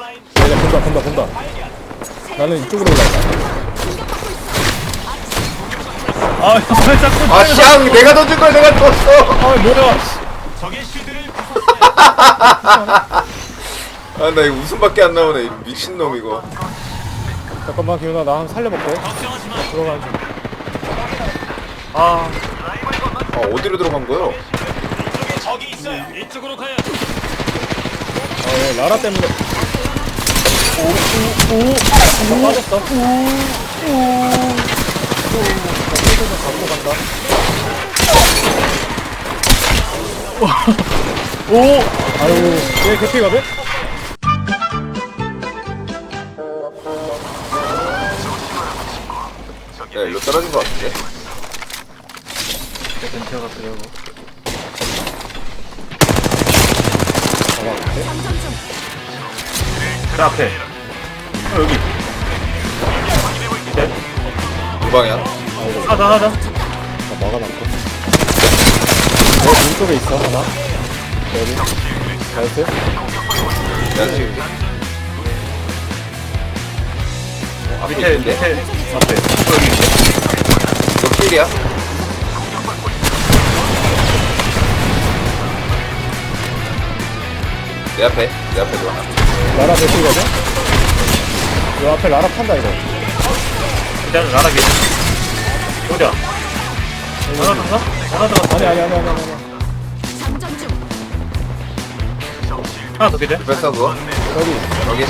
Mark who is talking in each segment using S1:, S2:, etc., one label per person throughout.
S1: 본다. 나는 이쪽으로 올라가.
S2: 아, 왜 자꾸
S3: 아, 샹! 내가 던진 걸 내가 떴어!
S1: 아, 뭐야.
S3: 아, 나 이거 웃음밖에 안 나오네. 미친놈, 이거.
S1: 잠깐만, 기훈아, 나 한 번 살려볼게. 들어가는 중.
S2: 아,
S3: 어디로 들어간 거요?
S2: 이쪽으로 가야.
S1: 예, 라라 때문에. 빠졌어. 갖고 간다. 아유, 얘 개피거든?
S3: 야, 일로 떨어진 거 같은데?
S2: 벤티가 같으려고. 그 앞에. 여기. 밑에.
S3: 두 방향.
S2: 하자.
S1: 나 막아놨고. 내 왼쪽에 있어, 하나. 여기. 나이스.
S3: 내가 지금.
S2: 밑에. 앞에. 여기 밑에.
S3: 너 필이야? 내 앞에 들어와.
S1: 라라 대피거든? 요 앞에 라라 판다, 이거.
S2: 일단 나락이. 어디야? 하나 더? 하나 더?
S1: 아니.
S2: 하나 더 기대?
S3: 뺐어, 그거?
S1: 여기.
S3: 여기.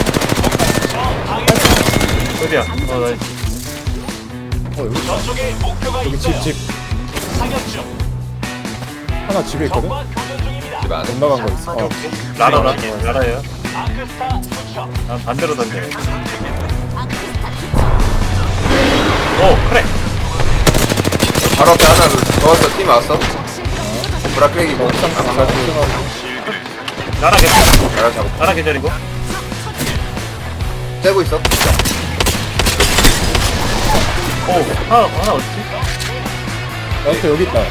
S2: 어디야? 나이스.
S1: 여기 있다. 여기 집. 하나 집에 있거든?
S3: 집 안에.
S1: 못 나간 거 있어.
S2: 라라예요. 난 반대로 던져. 오, 그래.
S3: 바로 앞에 하나 넣었어. 팀 왔어. 브라크랙이고.
S2: 라라 개절
S3: 나랑 잡고.
S2: 라라 계절이고.
S3: 떼고 있어.
S2: 오, 하나 어딨지?
S1: 나이스, 여기 있다.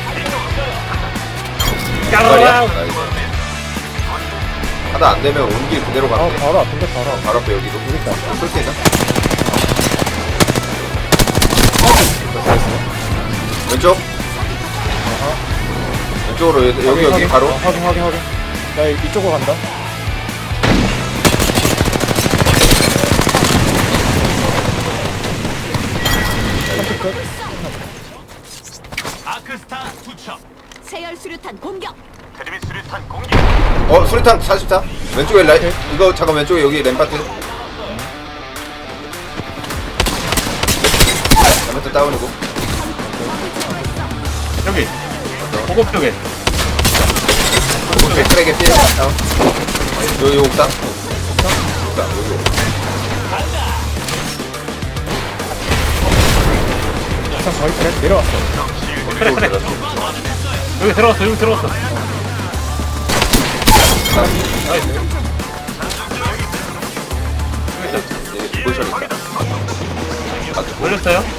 S3: 말이야?
S2: 까르르.
S3: 나이스. 하나 안 되면 온 길 그대로 가면 돼.
S1: 바로 앞인데, 바로 앞.
S3: 바로 앞에 여기도.
S1: 여기 있다.
S3: 쏠 수 있나? 왼쪽. 왼쪽으로 여기 바로.
S1: 확인. 나 이쪽으로 간다.
S4: 아크스타 투척.
S5: 세열 수류탄 공격.
S4: 테르미 수류탄 공격.
S3: 수류탄 44. 왼쪽에 라이. 이거 잠깐 왼쪽에 여기 램파트. 램파트 다운이고.
S2: 여기. 고급 쪽에.
S3: 오케이, 트랙에 피해. 다운. 여기 옥상. 옥상 여기.
S1: 옥상 거의 트랙 내려왔어.
S2: 그래. 여기 들어갔어. 나이스.
S3: 포지션 있다.
S2: 올렸어요?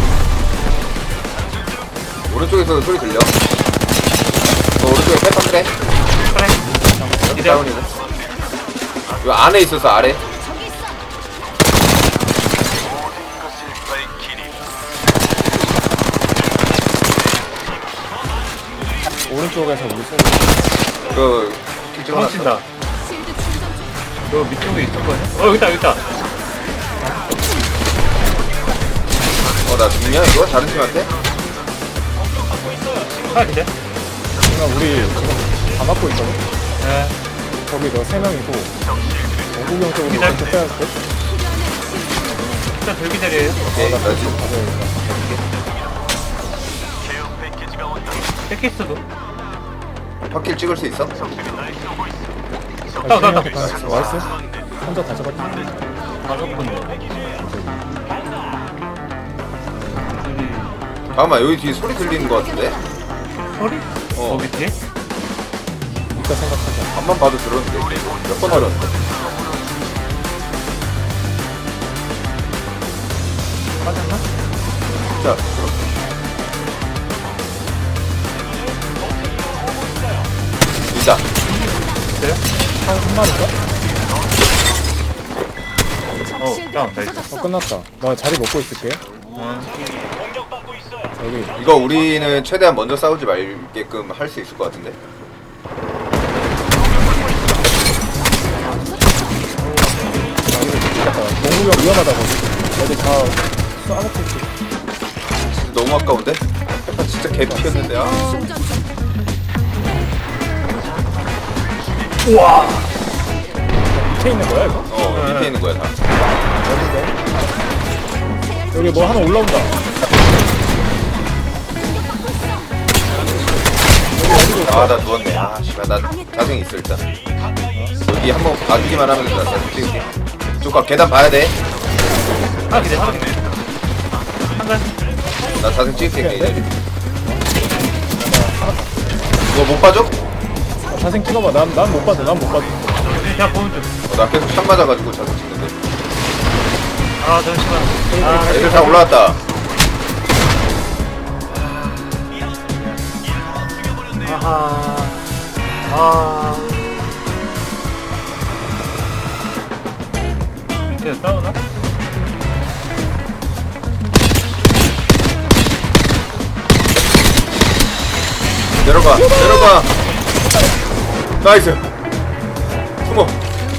S3: 오른쪽에서 소리 들려. 오른쪽에 페퍼 트랙.
S2: 그래.
S3: 여기 다운이고. 요 안에 있어서 아래.
S1: 오른쪽에서 우리 쏘고.
S3: 그 찍어놨어.
S2: 훔친다.
S5: 실드 충전 중.
S2: 너 밑쪽에 있을 거야? 여기 있다.
S3: 나 죽냐 이거? 다른 팀한테?
S2: 하나 기대?
S1: 우리 지금 다 맞고 있거든?
S2: 네.
S1: 거기 너 3명이고 영국형 쪽으로
S2: 기다려.
S1: 왼쪽 빼야 돼?
S2: 일단 들기 자리에요.
S3: 오케이, 나 지금
S4: 케어 패키지가 온다.
S2: 패키스도.
S3: 확킬 찍을 수 있어?
S2: 나.
S1: 나이스. 혼자 다 잡았다.
S2: 가족분들.
S3: 잠깐만 여기 뒤에 소리 들리는 거 같은데?
S2: 소리? 거기 뒤에?
S1: 이따 생각하자.
S3: 앞만 봐도 들었는데 몇 번 들었는데?
S2: 맞았나?
S3: 진짜 들었어. 있다.
S2: 그래요?
S1: 한 마리인가?
S5: 실드
S2: 다운,
S5: 부서졌어.
S1: 끝났다. 나 자리 먹고 있을게.
S4: 공격받고 있어요.
S1: 여기
S3: 이거 우리는 최대한 먼저 싸우지 말게끔 할 수 있을 것 같은데.
S1: 농구가 위험하다고. 애들 다 쏴놓고 있어.
S3: 진짜 너무 아까운데? 진짜 개피였는데. 아.
S5: 충전 중.
S1: 밑에 있는 거야 이거?
S3: 밑에 있는 거야 다.
S1: 어딘데? 여기 뭐 하나 올라온다.
S3: 아 나 누웠네. 아 씨발 나 자생 있어 일단. 여기 한번 봐주기만 하면 나 자생 찍을게. 조금 계단 봐야 돼.
S2: 하나 기대, 하나 기대. 한간.
S3: 나 자생 찍을게 이제. 이거 못 봐줘?
S1: 자생 찍어봐. 난 못 봐도 난 못 봐도.
S2: 야, 보는 중.
S3: 나 계속 샷 맞아가지고 자생 찍는데.
S2: 아, 잠시만. 아,
S3: 애들 다 올라왔다.
S2: 아하. 아. 이제 싸우나?
S3: 내려가 내려가. 나이스. 숨어.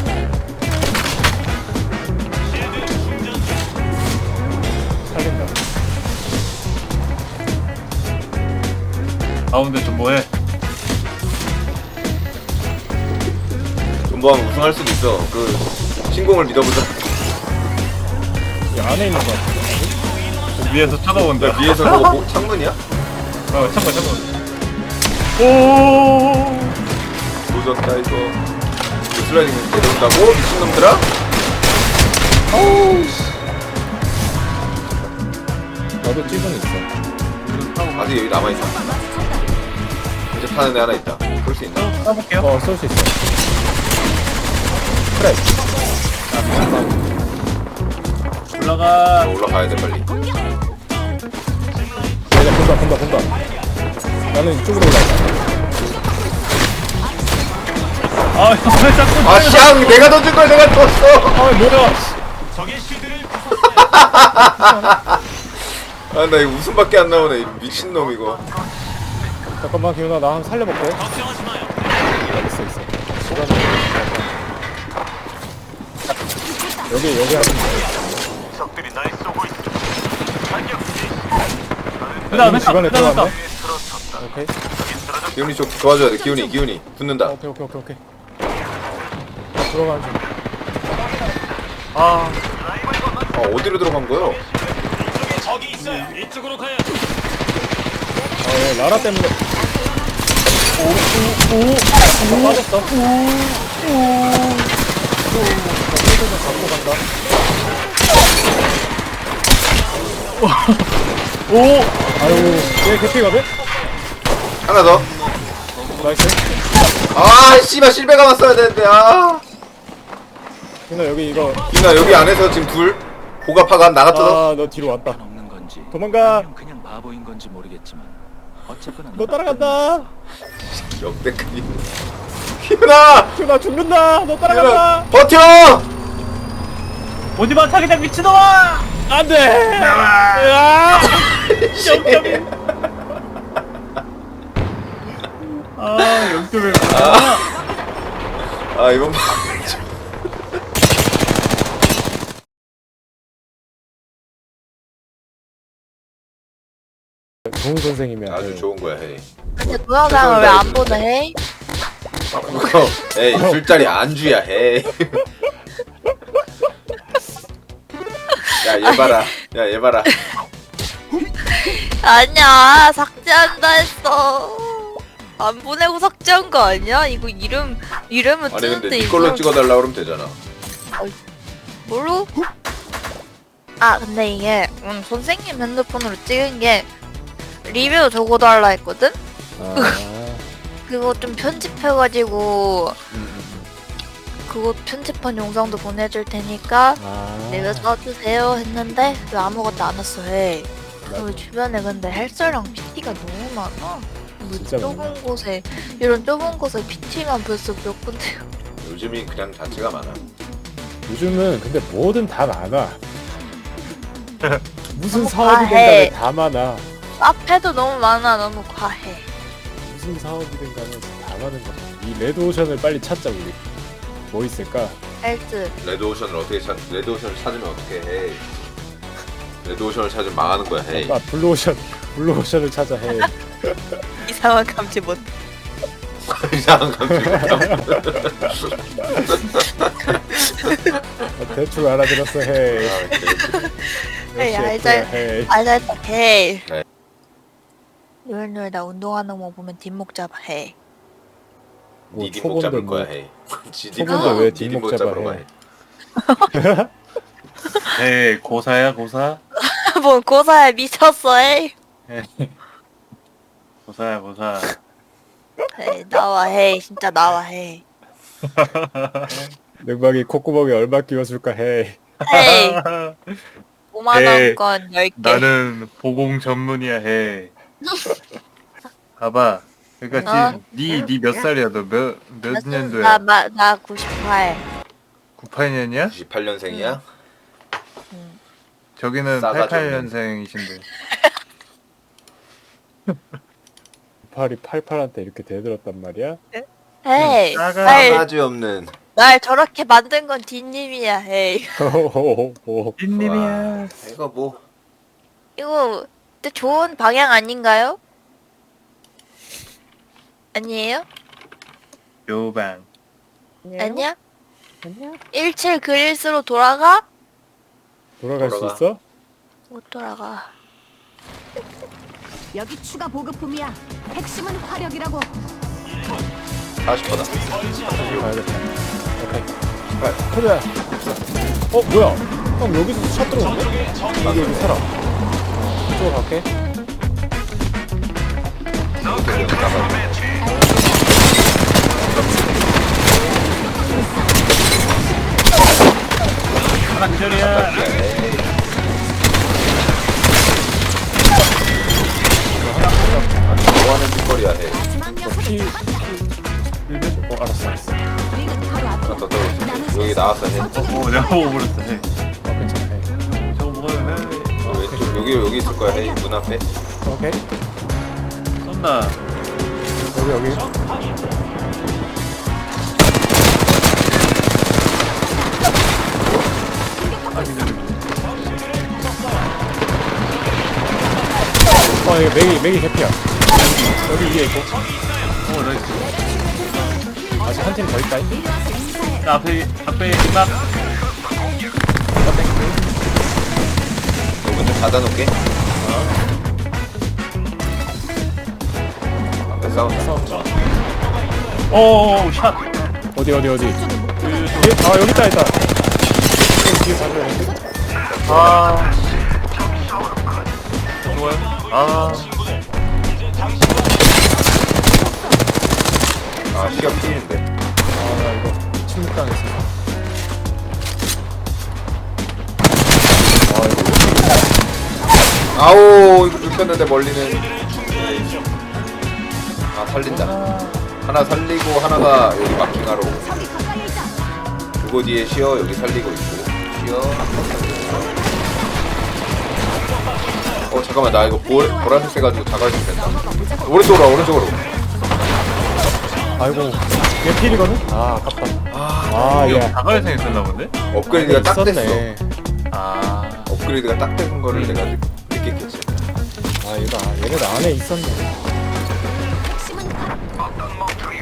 S1: 살린다.
S2: 가운데 좀 뭐해?
S3: 존버하면 우승할 수도 있어. 그 신공을 믿어보자.
S1: 이 안에 있는 거 같아.
S2: 위에서 쳐다본다.
S3: 야, 위에서 저거 뭐, 창문이야?
S2: 잠깐. 오.
S3: 조졌다 이거. 이거 슬라이딩 내려온다고? 미친놈들아?
S1: 나도 찌든 있어.
S3: 아직 여기 남아있어. 이제 파는 애 하나 있다. 그럴 수 있나?
S2: 써볼게요.
S1: 쏠 수 있어. 그래.
S2: 올라가.
S3: 올라가야 돼 빨리.
S1: 얘가 본다. 나는 이쪽으로 올라가.
S2: 아, 왜 자꾸.
S3: 아 샹! 내가 던진 걸 내가 떴어!
S1: 아 뭐야?
S4: 적의 실드를
S3: 아 나 이거 웃음밖에 안 나오네. 이 미친놈 이거.
S1: 잠깐만 기훈아 나 한 번 살려볼게.
S4: 걱정하지 마요.
S1: 있어. 여기 하는 거.
S4: 적들이 날 쏘고 있어. 반격.
S1: 이미 집안에 들어갔네.
S4: 들어섰다.
S1: 오케이.
S3: 기훈이 좀 도와줘야 돼. 기훈이 붙는다.
S1: 오케이. 들어가지.
S2: 아,
S3: 어디로 들어간 거요?
S4: 이쪽에 적이 있어요. 이쪽으로 가야.
S1: 얘 라라 때문에. 오. 빠졌어. 좀 갖고 간다. 아유, 얘 개피거든?
S3: 하나 더.
S1: 나이스.
S3: 아 씨발 실베가 왔어야 되는데. 아.
S1: 기훈아 여기 이거.
S3: 기훈아 여기 안에서 지금 둘. 보가파가 나갔다.
S1: 너 뒤로 왔다.
S6: 없는 건지
S1: 도망가.
S6: 아니면 그냥 바보인 건지 모르겠지만 어쨌거나
S1: 너 따라간다.
S3: 역대급. 기훈아.
S1: 기훈아 죽는다. 너 따라간다.
S3: 기훈아 버텨.
S2: 오지마 자기장 미친놈아!
S1: 안 돼. 으아!
S2: 아, 0.1.
S3: 아 이번 판.
S1: 좋은 선생님이야.
S3: 아주 좋은 거야 헤이.
S7: 근데 동영상을 왜 안 보내 해?
S3: 그거 에이 술자리 안주야 헤이. 야얘 봐라. 야얘 봐라.
S7: 아니야 삭제한다 했어. 안 보내고 삭제한 거 아니야? 이거 이름은
S3: 아니 근데
S7: 뜨는데
S3: 네 걸로 찍어달라 그러면 되잖아.
S7: 뭘로? 아 근데 이게 선생님 핸드폰으로 찍은 게 리뷰 적어달라 했거든? 그거 좀 편집해가지고 그거 편집한 영상도 보내줄 테니까 내가 써주세요 했는데 왜 아무것도 안 왔어 해. 그 주변에 근데 헬스랑 PT가 너무 많아. 뭐
S1: 진짜
S7: 좁은
S1: 많아.
S7: 곳에 이런 좁은 곳에 PT만 벌써 몇 군데요.
S3: 요즘이 그냥 자체가 많아.
S1: 요즘은 근데 뭐든 다 많아. 무슨
S7: 너무
S1: 사업이든
S7: 과해.
S1: 간에 다 많아.
S7: 카페도 너무 많아. 너무 과해.
S1: 무슨 사업이든 간에 다 많은 거야. 이 레드오션을 빨리 찾자 우리. 뭐 있을까?
S7: 헬스.
S3: 레드오션을 어떻게 레드오션을 찾으면 어떻게 해? 레드오션을 찾으면 망하는 거야. 헤이.
S1: 아 블루오션을 찾아 해.
S7: 이상한 감지 못.
S3: 이상한 감정.
S1: 대충 알아들었어 해.
S7: 헤이
S1: 역시
S7: 알잘
S1: 해.
S7: 알잘 헤이.
S3: 네.
S7: 노엘노엘 나 운동하는 거 보면 뒷목 잡아 헤이.
S1: 뭐
S3: 니 뒷목 잡을
S1: 초본데 뭐.
S3: 거야. 헤이. 지
S1: 초본데 왜
S3: 니
S1: 뒷목 잡아
S3: 잡으러
S1: 해.
S3: 가.
S2: 에이 고사야 고사.
S7: 뭔 고사야 미쳤어 헤이.
S2: 고사야 고사.
S7: 헤이 나와 헤이 진짜 나와 헤이.
S1: 냉방이 콧구멍에 얼마 끼워줄까 해.
S7: 헤이 5만
S2: 헤이.
S7: 원권 10개.
S2: 나는 보공 전문이야 해. 봐봐. 그러니까
S7: 어?
S2: 지금 니 몇 살이야? 너 몇 년도야?
S7: 나 98.
S2: 98년이야?
S3: 98년생이야?
S2: 저기는
S3: 싸가지
S2: 88년생이신데.
S1: 98이 88한테 이렇게 대들었단 말이야?
S7: 헤이
S2: 싸가-
S3: 싸가지 없는.
S7: 날 저렇게 만든 건 뒷님이야 헤이.
S2: 찐님이야.
S3: 이거 뭐
S7: 이거 근데 좋은 방향 아닌가요? 아니에요?
S2: 요방.
S7: 아니야? 17 그릴스로 돌아가?
S1: 돌아갈
S3: 돌아가.
S1: 수 있어?
S7: 못 돌아가.
S5: 여기 추가 보급품이야. 핵심은 화력이라고.
S3: 40%다.
S1: 가야겠다. 오케이. 그래. 뭐야? 형 여기서 차 들어오는데? 여기 살아. 이쪽으로 갈게.
S2: 하나 기절이야.
S3: 뭐하는 짓거리야 해.
S5: 마지막 녀석이 잡았다.
S1: 알았어.
S5: 우리는 바로
S3: 하나
S5: 앞으로.
S3: 더 떨어졌어. 여기 나왔어 해.
S2: 내가 보고 버렸어 해.
S1: 괜찮아. 해.
S2: 저거 먹어야 해.
S3: 왼쪽 여기 있을 거야 해. 문 앞에.
S1: 오케이.
S2: 쏜다.
S1: 여기. 이거 맥이 개피야. 여기 위에 있고.
S2: 나이스.
S1: 아직 한 팀 더 있다.
S2: 자, 앞에 이막.
S3: 문 좀 닫아놓게. 앞에 싸운다.
S2: 오, 샷.
S1: 어디. 뒤에, 여기 있다. 뒤에 가져야
S2: 아. 좋아요. 아.
S3: 아 시간 필인데.
S1: 나 이거 침묵당했어.
S3: 아오 이거 눕혔는데 멀리는. 아 살린다. 하나 살리고 하나가 여기 마킹하러 오고.
S5: 저기 가까이에 있다.
S3: 그거 뒤에 쉬어. 여기 살리고 있고. 쉬어. 잠깐만 나 이거 보라색 돼가지고 자갈색 된다. 오른쪽으로.
S1: 아이고, 얘 필이거든? 아, 아깝다. 예.
S2: 다가야생 있었나 본데?
S3: 업그레이드가 딱 됐어.
S1: 있었네.
S2: 아.
S3: 업그레이드가 딱 된 거를 내가 느꼈겠지.
S1: 얘네 안에 있었네.
S5: 핵심은 화력.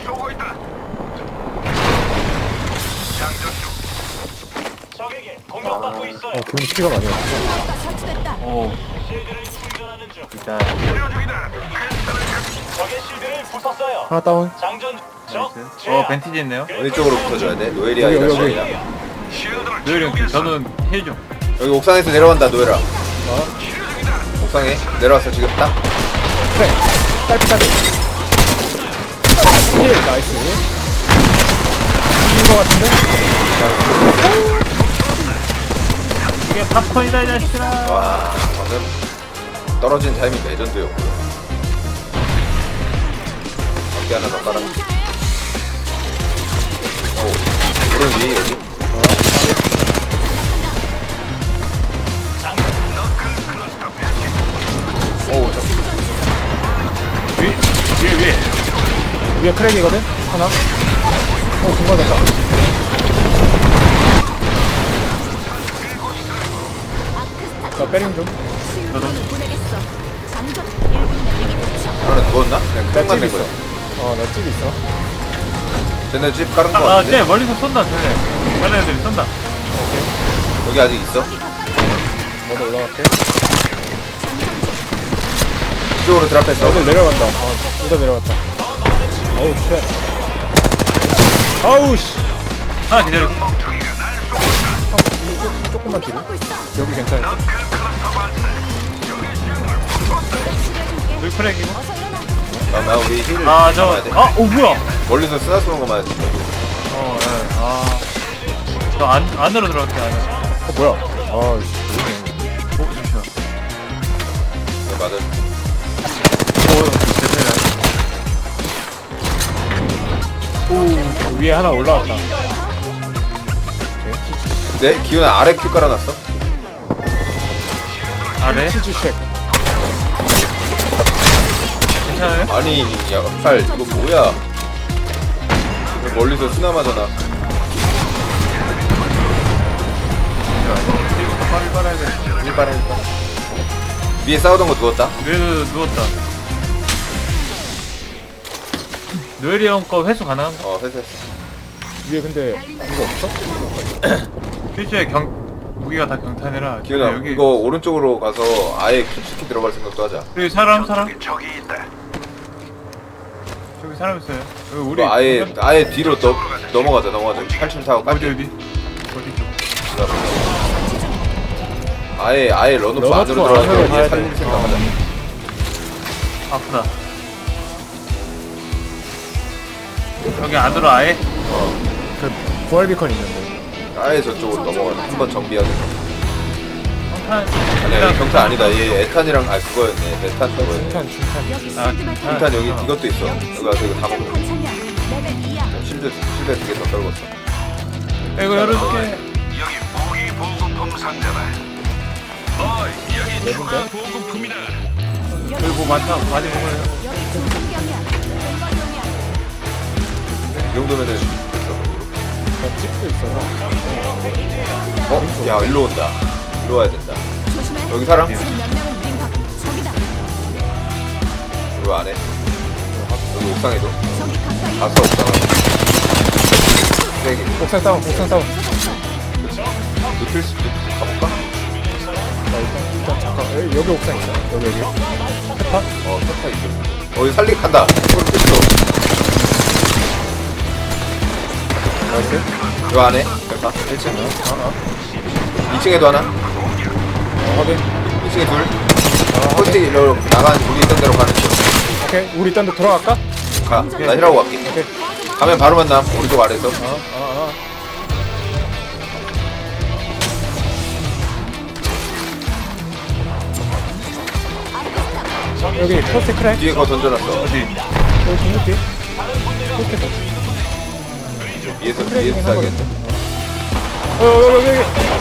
S4: 적에게 공격받고 있어요.
S1: 괜히 피가 많이 왔어.
S5: 가 설치됐다.
S2: 오.
S4: 실드를 충전하는 중.
S2: 일단.
S4: 적의 실드를 부쉈어요.
S1: 하나 다운.
S4: 장전 적
S2: 벤티지 있네요.
S3: 어느 쪽으로 붙어줘야 돼? 노엘이야
S1: 여기,
S3: 이거
S1: 여기.
S3: 샤이야.
S2: 노열이 형, 저는 해줘.
S3: 여기 옥상에서 내려간다 노엘아. 옥상에 내려왔어 지금 딱.
S1: 그래. 딸피. 힐, 나이스. 이긴 거 같은데?
S2: 이게 팝콘이다, 이 자식들아.
S3: 와 방금 떨어진 타이밍 레전드였고. 어깨 하나 더 깔아. 오 오른 위에 여기.
S1: 위에 크랙이거든? 하나. 공간 됐다. 나 빼링 좀.
S5: 보내겠어. 장전 1분 날리기 도착.
S3: 하나 누웠나? 그냥
S1: 나
S3: 만
S1: 집
S3: 낸
S1: 있어.
S3: 거야.
S1: 나 집 있어.
S3: 쟤네 집 깔은 거
S2: 아,
S3: 같은데?
S2: 쟤 멀리서 쏜다, 쟤네. 다른 애들이 쏜다.
S3: 여기 아직 있어?
S1: 먼저 올라갈게.
S3: 이쪽으로 드랍했어.
S1: 애들 내려간다. 둘 다 내려갔다. 어우, 쉣. 아우, 씨.
S2: 하나 기다려.
S1: 조금만 뒤로. 여기 괜찮아.
S2: 여기 크랙이고.
S3: 나 우리 힐을
S2: 아,
S3: 잡아야 돼.
S2: 뭐야?
S3: 멀리서 쓰나 쏘는 거 맞아.
S2: 예. 아. 저 안으로 들어갈게, 안에.
S1: 뭐야. 아, 씨.
S2: 잠시만.
S3: 네, 맞아.
S1: 위에 하나 올라왔다.
S3: 네? 기훈아 아래 큐 깔아놨어?
S2: 아래?
S1: 치즈 쉑.
S2: 괜찮아요?
S3: 아니 야 팔 이거 뭐야? 왜 멀리서 쓰나 맞아나.
S2: 빨리 빨아야 돼.
S3: 일반이니까. 위에 싸우던 거 누웠다?
S2: 노엘도 누웠다. 노엘이 형 거 회수 가능한가?
S3: 회수했어.
S1: 위에 근데 이거 없어?
S2: 필주에 무기가 다 경탄이라.
S3: 기훈아
S2: 여기
S3: 이거 오른쪽으로 가서 아예 깊숙이 들어갈 생각도 하자.
S2: 여기 사람 저기 사람 있어요. 여기 우리
S3: 이거 아예 뒤로 넘어가자. 8층 타고
S2: 어디
S3: 깜짝
S2: 어디 쪽?
S3: 아예 런오프
S1: 런오프
S3: 안으로
S1: 안으로
S3: 들어가서
S1: 가야
S3: 얘 살릴
S1: 돼.
S3: 생각하자.
S2: 아프다. 여기 안으로 아예?
S1: 그 부활 비컨 있는데.
S3: 아예 저쪽으로 넘어가. 한번 정비하자.
S2: 경탄.
S3: 아니야 경탄 아니다. 얘 에탄이랑 그거였네. 에탄 그거였네.
S1: 중탄.
S5: 여기
S2: 아,
S5: 실드발
S2: 아.
S3: 일단 여기 이것도 있어. 여기 와서 이거 다 먹어.
S5: 관찰량 레벨 2야.
S3: 실드 2개 더 떨궜어.
S2: 이거 열어줄게. 여기 뭐 많다. 많이 먹어요.
S5: 여기 중성경이야. 왼발용이야.
S3: 이 정도면은
S1: 나 집도 있어서.
S3: 야 일로 온다. 일로 와야 된다.
S5: 조심해.
S3: 여기 사람?
S5: 지금 몇 명은 우린 각. 저기다.
S3: 여기 안에. 여기 옥상에도.
S5: 저기 가까이.
S3: 봤어 옥상. 세개.
S1: 옥상 다운.
S3: 눕힐 수 가볼까?
S1: 나 일단 잠깐. 여기 옥상 있어. 여기. 페파?
S3: 페파 있어. 여기 살리 간다. 소리 뺐어.
S1: 나이스.
S3: 요 안에 페파. 1층. 2층에도 하나.
S1: 확인.
S3: 2층에 둘. 홀티 일로 나간 우리 있던 데로 가는 중.
S1: 오케이. 우리 일단 들어갈까?
S3: 가. 나 힐하고 갈게.
S1: 오케이.
S3: 가면 바로 만남. 오른쪽 아래에서.
S1: 여기 포스트 크랙.
S3: 뒤에 거 던져놨어.
S2: 어디?
S1: 여기 중국 뒤. 포스트 크랙.
S3: 위에서
S1: 크랙이긴
S3: 싸야겠네.
S1: 여기.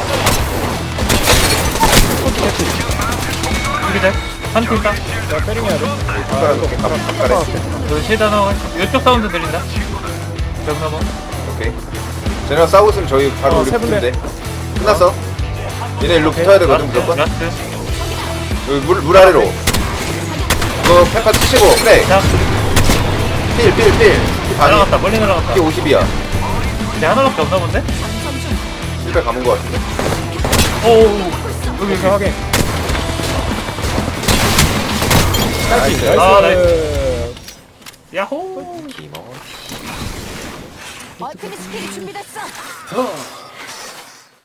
S2: 우리 잘? 한팀 있다.
S1: 나 빼링해야 돼.
S3: 손가락으로 가만
S2: 여기 쉐다 나와. 이쪽 사운드 들린다. 벽 넘어.
S3: 오케이. 쟤네랑 싸우고 있으면 저희 바로 우리
S1: 세 분네.
S3: 붙는데. 끝났어. 얘네 일로 붙어야 되거든 무조건.
S2: 라스트.
S3: 여기 물 아래로. 이거 페파 치시고 그래.
S2: 자,
S3: 필 반이.
S2: 날아갔다. 멀리 날아갔다.
S3: 이게 50이야.
S2: 쟤 하나밖에 없나 본데?
S3: 실패 감은 거 같은데.
S2: 오.
S1: 여기 확인.
S3: 나이스.
S2: 아, 나이스. 야호.
S3: 기모.
S5: 얼큰이 스킬이 준비됐어.